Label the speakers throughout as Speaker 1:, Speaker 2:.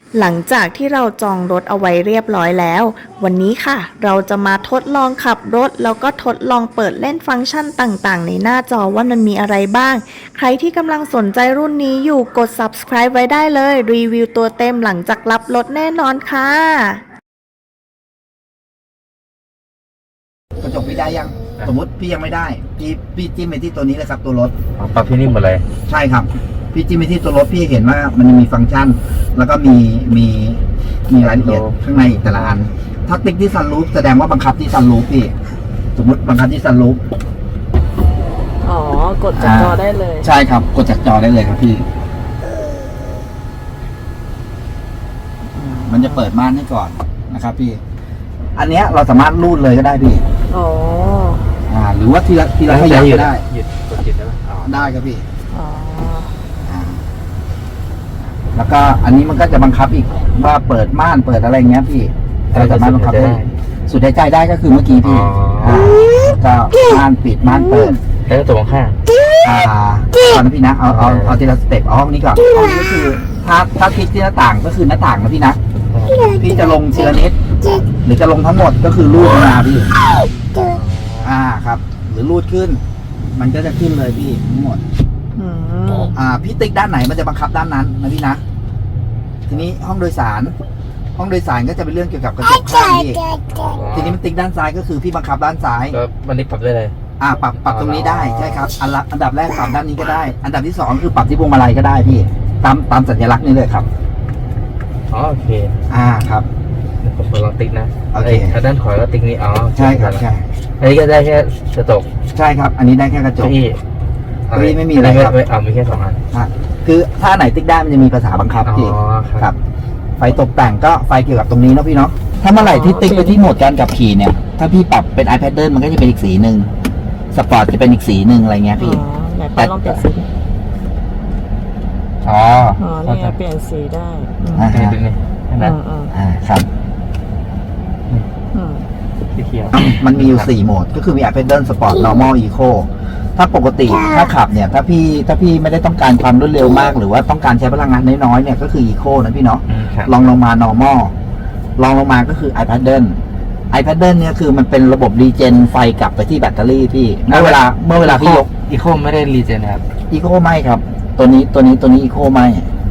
Speaker 1: หลังจากที่เราจองรถเอาไว้เรียบร้อยแล้ววันนี้ค่ะเราจะมาทดลองขับรถแล้วก็ทดลองเปิดเล่นฟังก์ชันต่างๆในหน้าจอว่ามันมีอะไรบ้างใครที่กำลังสนใจรุ่นนี้อยู่กด subscribe ไว้ได้เลยรีวิวตัวเต็มหลังจากรับรถแน่นอนค่ะ
Speaker 2: กระจกพี่ได้ยังสมมติพี่ยังไม่ได้พี่จิ้มไปที่ตัวนี้เลยครับตัวรถ
Speaker 3: ปรับที่นี่หมดเลย
Speaker 2: ใช่ครับพี่จิ้มไปที่ตัวรถพี่เห็นว่ามันมีฟังก์ชันแล้วก็มีรายละเอียดข้างในแต่ละอันถ้าติ๊กที่ซันรูฟแสดงว่าบังคับที่ซันรูฟพี่สมมติบังคับที่ซันรูฟ
Speaker 1: กดจากจอได้เลย
Speaker 2: ใช่ครับกดจากจอได้เลยครับพี่มันจะเปิดม่านให้ก่อนนะครับพี่อันเนี้ยเราสามารถรูดเลยก็ได้พี่หรือว่าทีละขยับก็ได้
Speaker 3: หยุดกดจิตได้ไหม
Speaker 2: ได้ครับพี่แล้วก็อันนี้มันก็จะบังคับอีกว่าเปิดม่านเปิดอะไรเงี้ยพี่เราสามารถบังคับได้สุดหายใจได้ก็คือเมื่อกี้พี่ก็ม่านปิดม่านเปิด
Speaker 3: แล้วตัวข้าง
Speaker 2: ตอนนั้นพี่นะเอาทีละสเต็ปห้องนี้ก่อนห้องนี้ก็คือถ้าคลิกที่หน้าต่างก็คือหน้าต่างนะพี่นะพี่จะลงทีละนิดหรือจะลงทั้งหมดก็คือรูดมาพี่ครับหรือรูดขึ้นมันก็จะขึ้นเลยพี่ทั้งหมดพี่ติ๊กด้านไหนมันจะบังคับด้านนั้นนะพี่นะทีนี้ห้องโดยสารก็จะเป็นเรื่องเกี่ยวกับกระจกข้างพี่ทีนี้มันติ๊กด้านซ้ายก็คือพี่บังคับด้านซ้าย
Speaker 3: ก็มันนี่ปรับได้เลย
Speaker 2: ปรับตรงนี้ได้ใช่ครับอันดับแรกปรับด้านนี้ก็ได้อันดับที่สองคือปรับที่พวงมาลัยก็ได้พี่ตามสัญลักษณ์นี้เลยครับ
Speaker 3: โอเค
Speaker 2: ครับ
Speaker 3: ผมลองติ๊กนะ
Speaker 2: โอเค
Speaker 3: ด้านขวาก็ติ๊กนี้
Speaker 2: ใช่ครับใช่
Speaker 3: อันนี้ก็ได้แค่กระจก
Speaker 2: ใช่ครับอันนี้ได้แค่กระจกพี่ไม่มีอะไรครับ
Speaker 3: มีแค่2 อัน
Speaker 2: คือถ้าไหนติ๊กได้มันจะมีภาษาบังคับพี่ครับไฟตกแต่งก็ไฟเกี่ยวกับตรงนี้นะพี่เนาะถ้าเมื่อไหร่ที่ติ๊กไปที่โหมดการขับขี่เนี่ยถ้าพี่ปรับเป็น iPad มันก็จะเป็นอีกสีหนึ่งสปอร์ตจะเป็นอีกสีหนึ่งอะไรเงี้ยพี่
Speaker 1: แต่ลองเปลี่ยนสีนี่เปลี่ยนสีได้
Speaker 3: ตรงนี้
Speaker 2: ครับ
Speaker 3: สีเขียว
Speaker 2: มันมีอยู่4โหมดก็คือมี iPad Sport Normal Eco ถ้าปกติถ้าขับเนี่ยถ้าพี่ไม่ได้ต้องการความรวดเร็วมากหรือว่าต้องการใช้พลังงานน้อยๆเนี่ยก็คือ Eco นะพี่เนาะลองลงมา Normal ลองลงมาก็คือ iPadเนี่ยคือมันเป็นระบบรีเจนไฟกลับไปที่แบตเตอรี่พี่เมื่อเวลาพี่ยก
Speaker 3: Eco ไม่ได้รีเจนครับ
Speaker 2: Eco ไม่ครับตัวนี้ Eco ไม่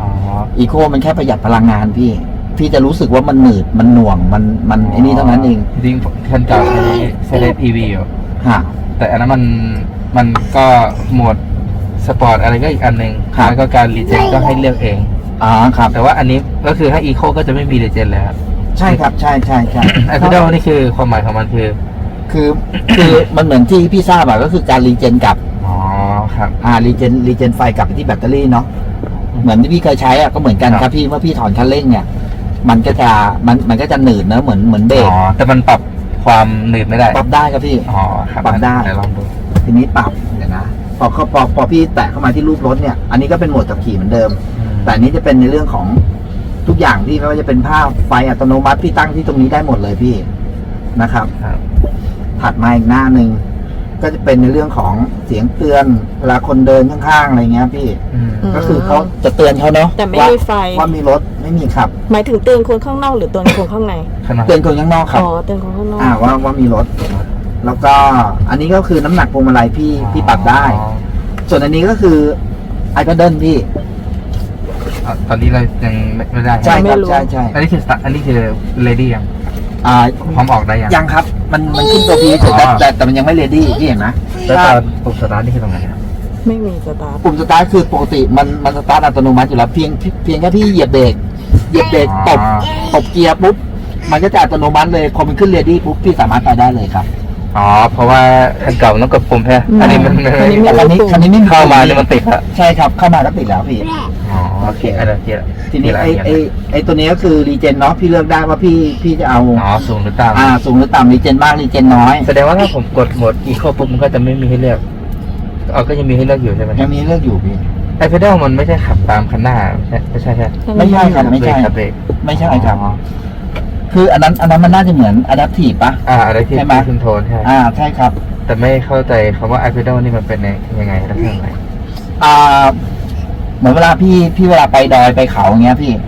Speaker 2: Eco มันแค่ประหยัดพลังงานพี่จะรู้สึกว่ามันหนืดมันหน่วงมันไอ้นี่เท่านั้นเอง
Speaker 3: จริงคันเก่าใช้ได้ PV อยู่แต่อันนั้นมันก็โหมดสปอร์ตอะไรก็อีกอันหนึ่งแล้วก็การรีเจนก็ให้เลือกเอง
Speaker 2: ครับ
Speaker 3: แต่ว่าอันนี้ก็คือให้ Eco ก็จะไม่มีรีเจนเลยครับ
Speaker 2: ใช่ครับใช่
Speaker 3: ไอพีดอลนี่คือความหมายของมัน
Speaker 2: คือมันเหมือนที่พี่ทราบก็คือการรีเจนกลับ
Speaker 3: ครับ
Speaker 2: รีเจนไฟกลับไปที่แบตเตอรี่เนาะเหมือนที่พี่เคยใช้ก็เหมือนกันครับพี่เมื่อพี่ถอนคันเร่งเนี่ยมันก็จะหนืดนะเหมือนเบรก
Speaker 3: แต่มันปรับความหนืดไม่ได้
Speaker 2: ปรับได้ครับพี่ปรับได้
Speaker 3: ลองดู
Speaker 2: ทีนี้ปรับเดี๋ยวนะพอพี่แตะเข้ามาที่รูปรถเนี่ยอันนี้ก็เป็นโหมดขับขี่เหมือนเดิมแต่อันนี้จะเป็นในเรื่องของทุกอย่างที่ไม่ว่าจะเป็นภาพไฟอัตโนมัติพี่ตั้งที่ตรงนี้ได้หมดเลยพี่นะครับถัดมาอีกหน้าหนึ่งก็จะเป็นในเรื่องของเสียงเตือนเวลาคนเดินข้างๆอะไรเงี้ยพี่ก็คือเขาจะเตือนเขาเนาะ
Speaker 1: แต่ไม่มีไฟ
Speaker 2: ว่ามีรถไม่มีขับ
Speaker 1: หมายถึงเตือนคนข้างนอกหรือเตือนคนข้างใน
Speaker 2: เตือนคนข้างนอกครับ
Speaker 1: เตือนคนข้างนอก
Speaker 2: ว่ามีรถแล้วก็อันนี้ก็คือน้ำหนักพวงมาลัยพี่ปรับได้ส่วนอันนี้ก็คือ iPad พี่
Speaker 3: ตอนนี้เรายังไม่ได้
Speaker 2: ใช่ครับใช่
Speaker 3: อันนี้คือเลดี้ยังพร้อมออกได้
Speaker 2: ยังครับมันขึ้นตัวพีแต่มันยังไม่เรดี้พี่เห็นไหม
Speaker 3: แล้วตอนปุ่มสตาร์ทนี่คือตรงไหนครับ
Speaker 1: ไม่มีสตาร์ท
Speaker 2: ปุ่มสตาร์ทคือปกติมันสตาร์ทอัตโนมัติอยู่แล้วเพียงแค่พี่เหยียบเบรกตบเกียร์ปุ๊บมันก็จะอัตโนมัติเลยพอมันขึ้นเรดี้ปุ๊บพี่สามารถไปได้เลยครับ
Speaker 3: เพราะว่าคันเก่าต้องกดปุ่มแค่อันนี้
Speaker 2: คันนี้ไม่
Speaker 3: เข้ามาเนี่ยมันติดแล้ว
Speaker 2: ใช่ครับเข้ามาก็ติดแล้วพี่
Speaker 3: โอเคอันนี้
Speaker 2: ทีนี้ไอตัวนี้ก็คือรีเจนเนาะพี่เลือกได้ว่าพี่จะเอา
Speaker 3: สูงหรือต่
Speaker 2: ำสูงหรือต่ำรีเจนมากรีเจนน้อย
Speaker 3: แสดงว่าถ้าผมกดโหมดอีโคปุ๊บมันก็จะไม่มีให้เลือกก็ยังมีให้เลือกอยู่ใช่ไหม
Speaker 2: ยังมีเลือกอยู่พี่
Speaker 3: ไอเพดอลมันไม่ใช่ขับตามคันหน้าไม่ใช่ครับ
Speaker 2: ไม่ใช่ครับคืออันนั้นมันน่าจะเหมือน adaptive ป่ะ
Speaker 3: adaptive
Speaker 2: ใช่ไหม
Speaker 3: คุนโทนใช่
Speaker 2: ใช่ครับ
Speaker 3: แต่ไม่เข้าใจคำว่า iPedal นี่มันเป็นยังไงลักษณะไหน
Speaker 2: เหมือนเวลาพี่เวลาไปดอยไปเขาอย่างเงี้ยพี่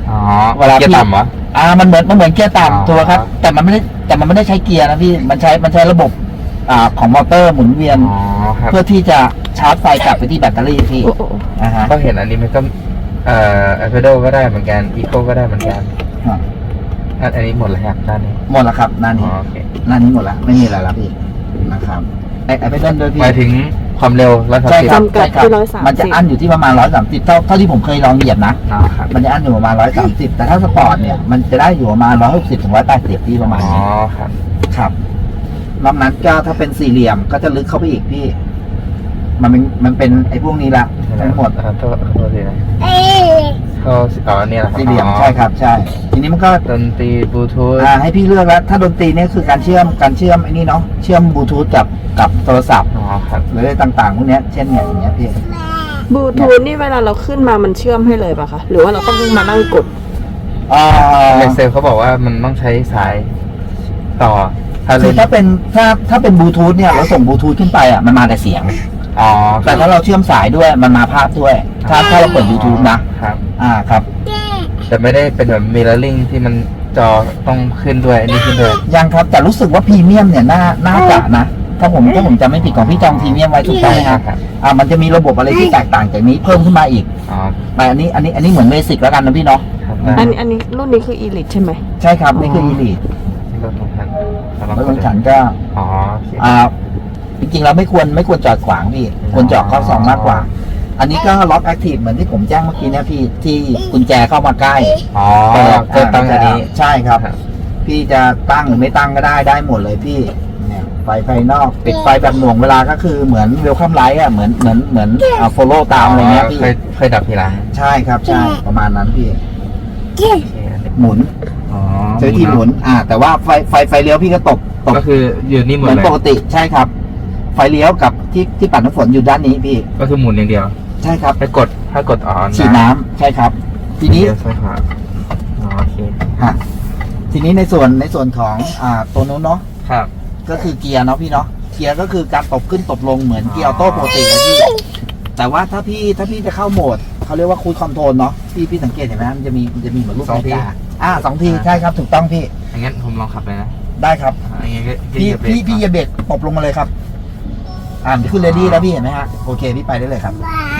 Speaker 3: อ๋อ
Speaker 2: เวลา
Speaker 3: เกียร์ต่ำเหรอ
Speaker 2: มันเหมือนเกียร์
Speaker 3: อ๋อ
Speaker 2: ต่ำตัวครับ แต่มันไม่ได้ใช้เกียร์นะพี่มันใช้ระบบของมอเตอร์หมุนเวียน
Speaker 3: อ๋อครับ
Speaker 2: เพื่อที่จะชาร์จไฟกลับไปที่แบตเตอรี่พี่
Speaker 1: โอ้โห
Speaker 2: ฮะ
Speaker 3: ก็เห็นอันนี้มันก็ไอเพโดก็ได้เหมือนกันอีโคก็ได้เหมือนกันอันนี้หมดแล้วครับด้านนี้
Speaker 2: หมดแล้วครับหน้า
Speaker 3: อ๋
Speaker 2: นี้
Speaker 3: อโอเค
Speaker 2: หน้านี้หมดแล้วไม่มีอะไรแล้วพี่นะครับไอ้ไปเล่นด้วยพี่
Speaker 3: หมายถึงความเร็ว130
Speaker 2: ใช่ครับ
Speaker 1: จำกัด
Speaker 2: ใช่ครับ
Speaker 1: ที่130
Speaker 2: มันจะอั้นอยู่ที่ประมาณ130เท่าที่ผมเคยลองเหยียบนะ
Speaker 3: อ๋อครับ
Speaker 2: มันจะอั้นอยู่ประมาณ130แต่ถ้าสปอร์ตเนี่ยมันจะได้อยู่ประมาณ160ถึง180ที่ประมาณ
Speaker 3: อ๋อ
Speaker 2: นี้
Speaker 3: ครับ
Speaker 2: ครับนอกนั้นก็ถ้าเป็นสี่เหลี่ยมก็จะลึกเข้าไปอีกพี่ มันเป็นไอ้พวกนี้ละทั้งหมด
Speaker 3: โทษทีนะเข้าอ๋อเนี่ยแหละครับ
Speaker 2: สี่เหลี่ยม
Speaker 3: อ๋อ
Speaker 2: ใช่ครับใช่ทีนี้มันก็
Speaker 3: ดนตรีบลูทูธ
Speaker 2: ให้พี่เลือกแล้วถ้าดนตรีเนี่ยคือการเชื่อมไอ้นี่เนาะเชื่อมบลูทูธกับโทรศัพท์
Speaker 3: อ๋อครับ
Speaker 2: หรืออะไรต่างๆพวกเนี้ยเช่นเนี่ยอย่างเงี้ยพี่
Speaker 1: บลูทูธนี่เวลาเราขึ้นมามันเชื่อมให้เลยป่ะคะ หรือว่าเราต้องมานั่งกด
Speaker 3: ในเซลเขาบอกว่ามันต้องใช้สายต่อถ้า
Speaker 2: คื
Speaker 3: เล่
Speaker 2: อน ถ้าเป็นบลูทูธเนี่ยเราส่งบลูทูธขึ้นไปมันมาแต่เสียง
Speaker 3: อ๋อ
Speaker 2: แต่ถ้าเราเชื่อมสายด้วยมันมาภาพด้วย ถ้าเราเปิด YouTube นะครับ ครับ
Speaker 3: แต่ไม่ได้เป็นแบบมิเรอร์ลิงที่มันจอต้องขึ้นด้วยอันนี้ขึ้นด้วย
Speaker 2: ยังครับแต่รู้สึกว่าพรีเมียมเนี่ยน่าจะนะถ้าผมจำไม่ผิดของพี่จองพรีเมียมไว้ถูกต้องไหมครับ
Speaker 3: ครับ
Speaker 2: มันจะมีระบบอะไรที่แตกต่างจากนี้เพิ่มขึ้นมาอีก
Speaker 3: อ๋อ
Speaker 2: แต่อันนี้เหมือนเบสิกแล้วกันนะพี่เนาะ
Speaker 3: ครับ
Speaker 1: อันนี้รุ่นนี้คือ Elite ใช่ไหม
Speaker 2: ใช่ครับนี่คือ Elite
Speaker 3: รถของฉัน
Speaker 2: รถของฉันก็
Speaker 3: อ๋อโอเค
Speaker 2: จริงๆเราไม่ควรจอดขวางพี่ควรจอดเข้าซองมากกว่า อันนี้ก็ล็อกแอคทีฟเหมือนที่ผมแจ้งเมื่อกี้เนี่ยพี่ที่กุญแจเข้ามาใกล้
Speaker 3: อ๋อก็ตั้งอันนี้
Speaker 2: ใช่ครับ
Speaker 3: ครับ
Speaker 2: พี่จะตั้งหรือไม่ตั้งก็ได้หมดเลยพี่เนี่ยไฟภายนอกปิดไฟแบบหน่วงเวลาก็คือเหมือนเวลคัมไลท์อ่ะเหมือนโฟโล่ตามอะไรเงี้ยพี่
Speaker 3: เคยดับทีหลัง
Speaker 2: ใช่ครับใช่ประมาณนั้นพี่
Speaker 3: โอเคอันนี้
Speaker 2: หมุน
Speaker 3: อ๋อ
Speaker 2: ใช้ที่หมุนแต่ว่าไฟเลี้ยวพี่ก็ตก
Speaker 3: ก็คืออยู่นี่หม
Speaker 2: เห
Speaker 3: ด
Speaker 2: มือน
Speaker 3: เลย
Speaker 2: ปกติใช่ครับ ไฟเลี้ยวกับที่ปัดน้ำฝนอยู่ด้านนี้พี่
Speaker 3: ก็คือหมุนอย่างเดียว
Speaker 2: ใช่ครับ
Speaker 3: ถ้ากดอ๋อ
Speaker 2: ฉีดน้ำใช่ครับ ทีนี้
Speaker 3: เลี้ยวซ้ายขวาอ๋อโอเค
Speaker 2: ฮะทีนี้ในส่วนของตัวนู้นเนาะ
Speaker 3: ครับ
Speaker 2: ก็คือเกียร์เนาะพี่เนาะเกียร์ก็คือการตบขึ้นตบลงเหมือนเกียร์ออโต้ปกติเลยพี่แต่ว่าถ้าพี่จะเข้าโหมดเขาเรียกว่าคูลคอนโทรลเนาะพี่สังเกตเห็นไหมมันจะมีเหมือนรูปนาฬิกาสองทีใช่ครับถูกต้องพี่
Speaker 3: งั้นผมลองขับเลยนะ
Speaker 2: ได้ครับ
Speaker 3: งั้นก็
Speaker 2: พี่อย่าเบรกตบลงมาเลยครับขึ้นเรดี้แล้วพี่เห็นไหมฮะโอเคพี่ไปได้เลยครับ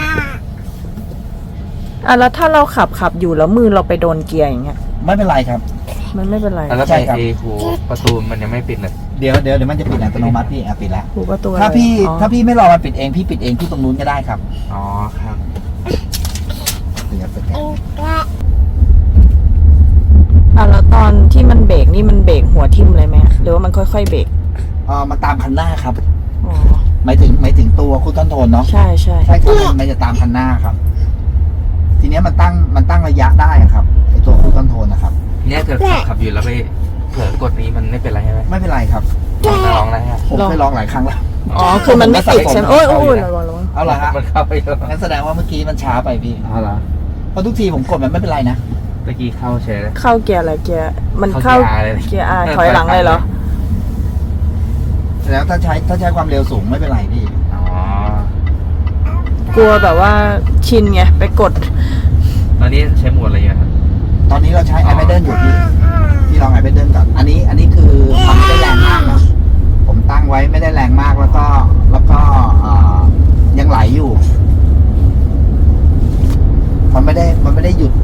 Speaker 1: แล้วถ้าเราขับอยู่แล้วมือเราไปโดนเกียร์อย่างเงี้ย
Speaker 2: ไม่เป็นไรครับ
Speaker 1: มันไม่เป็นไร
Speaker 3: แล้ว
Speaker 2: ใช่
Speaker 3: ไป
Speaker 2: ครับ
Speaker 3: หูประตูมันยังไม่ปิดเลย
Speaker 2: เดี๋ยวมันจะปิดอัตโนมัติพี่ปิดแล้ว
Speaker 1: หูประตู
Speaker 2: ถ้าพี่
Speaker 1: อ๋อ
Speaker 2: ถ้าพี่ไม่รอมันปิดเองพี่ปิดเองที่ตรงนู้นก็ได้ครับ
Speaker 3: อ๋อครับ
Speaker 2: เดี๋ยวสแกน
Speaker 1: แล้วตอนที่มันเบรกนี่มันเบรกหัวทิ่มเลยไหมหรือว่ามันค่อยๆเบรก
Speaker 2: มันตามคันหน้าครับ
Speaker 1: อ๋อ
Speaker 2: หมายถึงตัวคูลคอนโทรลเนาะ
Speaker 1: ใช่
Speaker 2: ใช่ครับมันจะตามคันหน้าครับ ทีเนี้ยมันตั้งระยะได้อะครับไอตัวคูลคอนโทรลนะครับ
Speaker 3: เนี่ยเกิดขับอยู่แล้วไปเผลอกดนี้มันไม่เป็นไรใช่ไหม
Speaker 2: ไม่เป็นไรครับ
Speaker 3: จะลองอะไรฮะ
Speaker 2: ผมเคยลองหลายครั้งแล้ว
Speaker 1: อ๋อคือมันไม่ติดใช่ไหมโอ้ยระวัง
Speaker 2: เอาเหรอฮะ
Speaker 3: มันเข้าไปแล้ว
Speaker 2: งั้นแสดงว่าเมื่อกี้มันช้าไปพี่
Speaker 3: อ๋อเหรอ
Speaker 2: เพราะทุกทีผมกดมันไม่เป็นไรนะ
Speaker 3: ตะกี้เข้าเฉยเลย
Speaker 1: เข้าเกียร์อะไรเกียร์มัน
Speaker 3: เข้า
Speaker 1: เข้า
Speaker 3: เกียร์ R เลย
Speaker 1: เกียร์ R ถอยหลังเลยเหรอ
Speaker 2: แล้วถ้าใช้ความเร็วสูงไม่เป็นไรพี่
Speaker 3: อ๋อก
Speaker 1: ลัวแบบว่าชินไงไปกด
Speaker 3: ตอนนี้ใช้โหมดอะไรอยู่ครับ
Speaker 2: ตอนนี้เราใช้ iPadden อยู่พี่ลอง iPadden ก่อนอันนี้คือมันไม่ได้แรงมากนะผมตั้งไว้ไม่ได้แรงมากแล้วก็ยังไหลอยู่มันไม่ได้หยุด